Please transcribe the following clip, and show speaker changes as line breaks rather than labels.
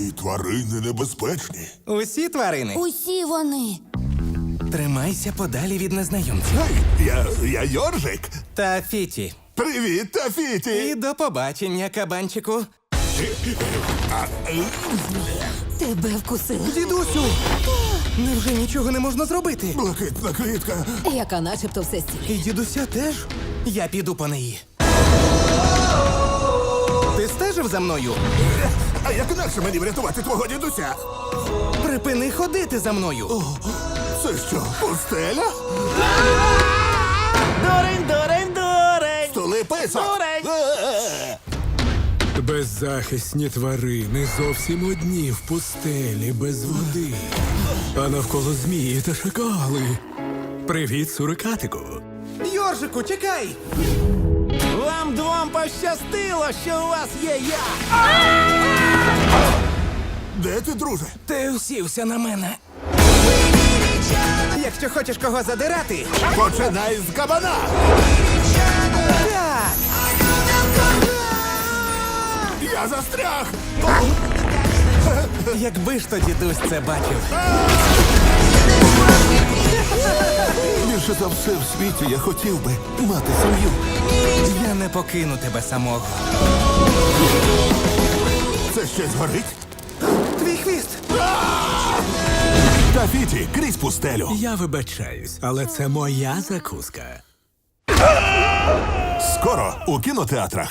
Ці тварини небезпечні.
Усі тварини.
Усі вони.
Тримайся подалі від незнайомців.
Гей, я Йоржик.
Та Фіті.
Привіт,
І
Тафіті.
до побачення, кабанчику.
Тебе вкусили.
Дідусю! Невже нічого не можна зробити?
Блакитна квітка.
Яка начебто все стіль.
І дідуся теж? Я піду по неї. Ти стежив за мною?
А як інакше мені врятувати твого дідуся?
Припини ходити за мною.
Це що, пустеля?
Дурень, дурень, дурень!
Стули писок.
Дурень!
Беззахисні тварини зовсім одні в пустелі без води. А навколо змії та шакали. Привіт, сурикатику.
Йоржику, чекай! Вам двом пощастило, що у вас є я!
Де ти, друже?
Ти усівся на мене. Якщо хочеш кого задирати,
Починай з кабана.
так!
Я застряг.
Якби ж то дідусь це бачив.
Більше за все в світі я хотів би мати сім'ю.
Я не покину тебе самого.
Це щось горить?
Твій хвіст!
Тафіті, крізь пустелю.
Я вибачаюсь, але це моя закуска.
Скоро у кінотеатрах.